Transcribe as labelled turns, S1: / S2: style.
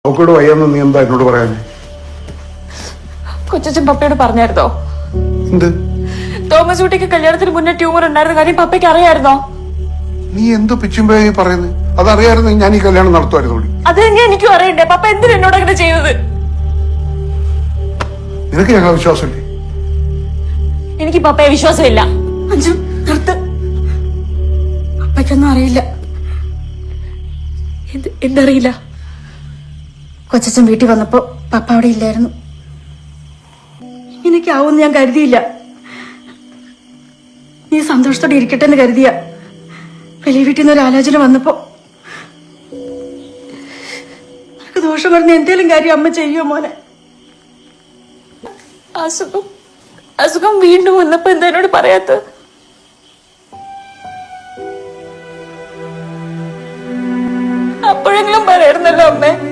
S1: അവക്കോട് വയ്യാന്ന് നീ എന്താ എന്നോട് പറയാനേ?
S2: കൊച്ചച്ഛൻ പപ്പയോട് പറഞ്ഞായിരുന്നോ?
S1: എന്ത്?
S2: തോമസ് കുട്ടിക്ക് കല്യാണത്തിന് മുന്നേ ട്യൂമർ ഉണ്ടായിരുന്ന കാര്യം പപ്പയ്ക്ക് അറിയായിരുന്നോ?
S1: നീ എന്തോ പിച്ചുമ്പേ പറയുന്നത്? അതറിയായിരുന്നു ഞാൻ ഈ കല്യാണം നടത്തുമായിരുന്നു.
S2: അത് തന്നെ എനിക്കും അറിയണ്ടേ. പപ്പ എന്തിനാ എന്നോട് അങ്ങനെ ചെയ്തത്?
S1: നിനക്ക് ഞങ്ങളെ വിശ്വാസമില്ലേ?
S2: എനിക്ക് പപ്പയെ വിശ്വാസമില്ല. അഞ്ജു നിർത്ത്. പപ്പയ്ക്കൊന്നും അറിയില്ല. എന്തറിയില്ല? കൊച്ചച്ഛൻ വീട്ടിൽ വന്നപ്പോ പപ്പ അവിടെ ഇല്ലായിരുന്നു. ഇങ്ങനെയൊക്കെ ആവുമെന്ന് ഞാൻ കരുതിയില്ല. നീ സന്തോഷത്തോടെ ഇരിക്കട്ടെ എന്ന് കരുതിയ വലിയ വീട്ടിൽ നിന്ന് ഒരു ആലോചന വന്നപ്പോ നിനക്ക് ദോഷം പറഞ്ഞ എന്തേലും കാര്യം അമ്മ ചെയ്യുമോ മോനെ? അസുഖം വീണ്ടും വന്നപ്പോ എന്താ എന്നോട് പറയാത്ത? അപ്പോഴെങ്കിലും പറയായിരുന്നല്ലോ അമ്മേ.